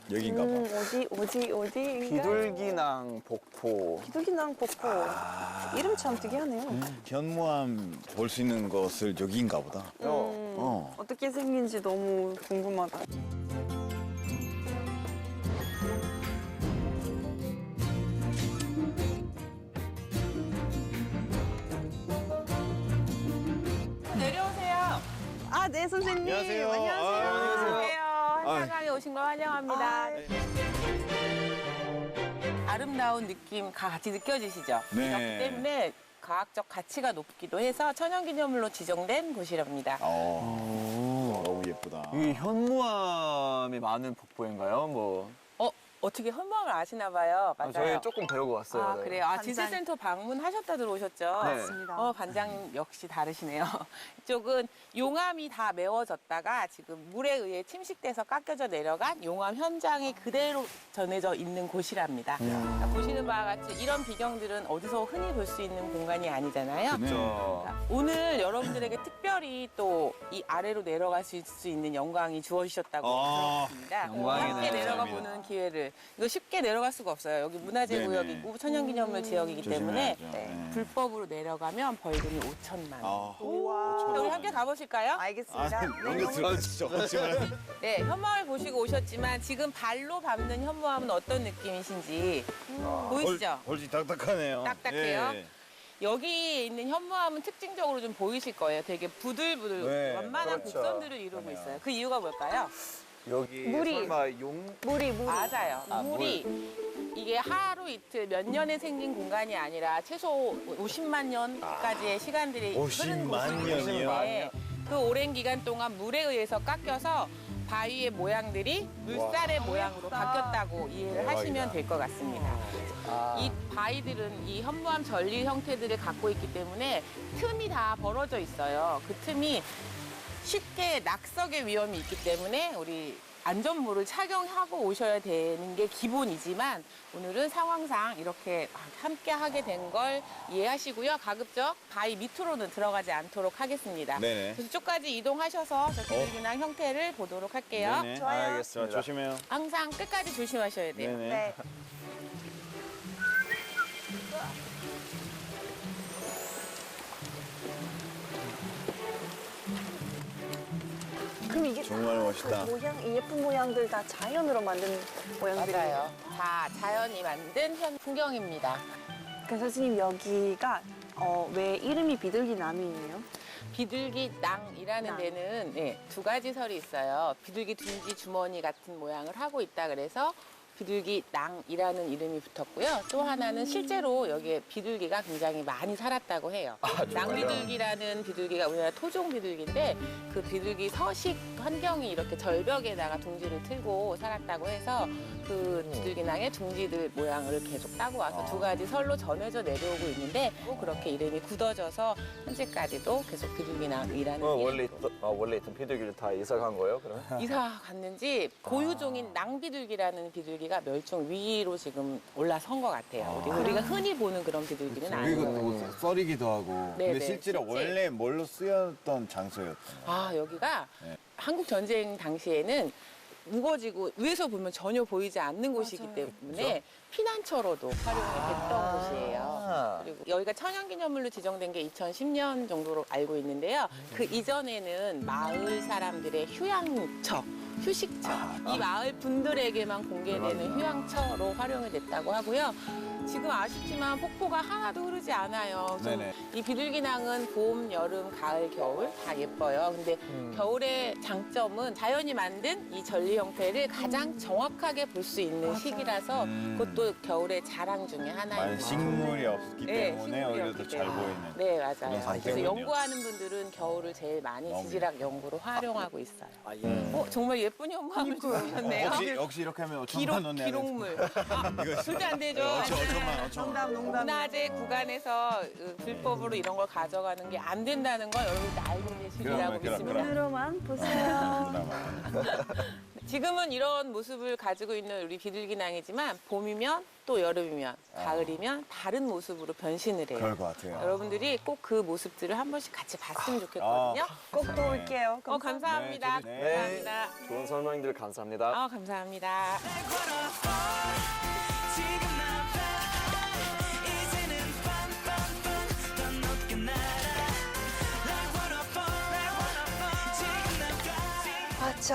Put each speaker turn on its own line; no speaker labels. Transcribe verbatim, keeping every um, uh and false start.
여긴가 봐.
음, 어디, 어디, 어디?
비둘기낭 복포.
비둘기낭 복포.
아.
이름 참 특이하네요.
음, 현무암 볼 수 있는 것을 여기인가 보다.
음,
어.
어떻게 생긴지 너무 궁금하다.
내려오세요.
아, 네, 선생님.
안녕하세요.
안녕하세요.
아,
안녕하세요. 한사강에 오신 걸 환영합니다.
아,
아름다운 느낌 같이 느껴지시죠?
네.
그렇기 때문에 과학적 가치가 높기도 해서 천연기념물로 지정된 곳이랍니다.
어. 너무 예쁘다.
이 현무암이 많은 복포인가요? 뭐
어, 어떻게 현무암을 아시나 봐요.
아,
맞아요.
저희 조금 배우고 왔어요.
아,
네.
그래요? 아,
반장.
지질센터 방문하셨다 들어오셨죠?
네.
맞습니다.
어, 반장님 역시 다르시네요. 이쪽은 용암이 다 메워졌다가 지금 물에 의해 침식돼서 깎여져 내려간 용암 현장이 그대로 전해져 있는 곳이랍니다.
음.
자, 보시는 바와 같이 이런 비경들은 어디서 흔히 볼 수 있는 공간이 아니잖아요.
네.
그렇죠.
자, 오늘 여러분들에게 특별히 또 이 아래로 내려갈 수 있는 영광이 주어지셨다고
아,
들었습니다.
영광이네요.
함께 내려가
감사합니다.
보는 기회를. 이거 쉽게 내려갈 수가 없어요. 여기 문화재
네네.
구역이고 천연기념물 지역이기 때문에
조심해야죠. 네.
불법으로 내려가면 벌금이 오천만 원.
아.
우와.
자, 우리 함께 가보실까요?
알겠습니다.
아, 너무 들어주시죠. 그렇지만.
네, 현무암을 보시고 오셨지만 지금 발로 밟는 현무암은 어떤 느낌이신지 보이시죠?
볼지 딱딱하네요.
딱딱해요?
예.
여기 있는 현무암은 특징적으로 좀 보이실 거예요. 되게 부들부들
네,
완만한
그렇죠.
곡선들을 이루고 있어요. 그 이유가 뭘까요?
여기
물이.
설마 용
물이, 물이.
맞아요.
아,
물이 이게 하루 이틀 몇 년에 생긴 공간이 아니라 최소 오십만 년까지의 시간들이 흐른
오십만
곳이기
년이요?
때문에 그 오랜 기간 동안 물에 의해서 깎여서 바위의 모양들이 물살의 모양으로 바뀌었다고 이해를 하시면 될 것 같습니다.
아,
이 바위들은 이 현무암 전리 형태들을 갖고 있기 때문에 틈이 다 벌어져 있어요. 그 틈이 쉽게 낙석의 위험이 있기 때문에 우리 안전모를 착용하고 오셔야 되는 게 기본이지만 오늘은 상황상 이렇게 함께 하게 된 걸 이해하시고요. 가급적 바위 밑으로는 들어가지 않도록 하겠습니다.
네네.
그래서 쭉까지 이동하셔서 저 비둘기낭 형태를 보도록 할게요.
네네.
좋아요.
알겠습니다.
자, 조심해요.
항상 끝까지 조심하셔야 돼요.
네네.
네. 그럼 이게
정말
다
멋있다.
그 모양, 이 예쁜 모양들 다 자연으로 만든 모양들이에요.
맞아요. 다 자연이 만든 현 풍경입니다.
그 선생님 여기가 어, 왜 이름이 비둘기남이에요?
비둘기낭이라는
낭.
데는 네, 두 가지 설이 있어요. 비둘기 둥지 주머니 같은 모양을 하고 있다 그래서 비둘기낭이라는 이름이 붙었고요. 또 하나는 실제로 여기에 비둘기가 굉장히 많이 살았다고 해요. 낭비둘기라는 비둘기가 우리나라 토종 비둘기인데 그 비둘기 서식 환경이 이렇게 절벽에다가 둥지를 틀고 살았다고 해서 그 비둘기낭의 둥지들 모양을 계속 따고 와서 두 가지 설로 전해져 내려오고 있는데 또 그렇게 이름이 굳어져서 현재까지도 계속 비둘기낭이라는
어,
이름으로
원래 있던 아, 원래 있던 비둘기를 다 이사 간 거예요? 그러면?
이사 갔는지 고유종인 낭비둘기라는 비둘기가 멸종 위기로 지금 올라선 것 같아요. 우리, 우리가 흔히 보는 그런 비둘기는
그리고
아니고.
또 썰이기도 하고.
네네,
근데 실제로
실제.
원래 뭘로 쓰였던 장소였던 거예요.
아, 여기가
네.
한국 전쟁 당시에는 우거지고 위에서 보면 전혀 보이지 않는 곳이기 때문에 피난처로도 활용이 됐던
아.
곳이에요. 그리고 여기가 천연기념물로 지정된 게 이천십 년 정도로 알고 있는데요. 그 이전에는 마을 사람들의 휴양처, 휴식처, 이 마을 분들에게만 공개되는 휴양처로 활용이 됐다고 하고요. 지금 아쉽지만 폭포가 하나도 흐르지 않아요. 좀
네네.
이 비둘기낭은 봄, 여름, 가을, 겨울 다 예뻐요. 근데 겨울의 장점은 자연이 만든 이 전리 형태를 가장 정확하게 볼 수 있는 시기라서
음.
그것도 겨울의 자랑 중에 하나입니다.
만약 식물이 없기
네,
때문에
식물이
오히려
없기
더 잘
때문에.
보이는.
네, 맞아요.
그런
그래서
상태군요.
연구하는 분들은 겨울을 제일 많이
너무
지질학 연구로 활용하고 있어요.
아, 예.
어, 정말 예쁜 현무암을 주셨네요.
역시, 역시 이렇게 하면
기록,
오천만 원 내야
기록물. 아, 절대 안 되죠.
어천만, 어천만.
농담, 농담.
문화재 구간에서 어, 불법으로 이런 걸 가져가는 게 안 된다는 걸 여러분 다 알고 계시리라고
그러면, 그럼,
믿습니다.
그럼.
눈으로만 보세요.
드라마.
지금은 이런 모습을 가지고 있는 우리 비둘기낭이지만 봄이면 또 여름이면 가을이면 다른 모습으로 변신을 해요.
그럴 것 같아요.
여러분들이 꼭 그 모습들을 한 번씩 같이 봤으면 좋겠거든요.
꼭 또 올게요.
어, 감사합니다.
네, 저도- 네.
감사합니다.
좋은 설명들 감사합니다.
아, 감사합니다.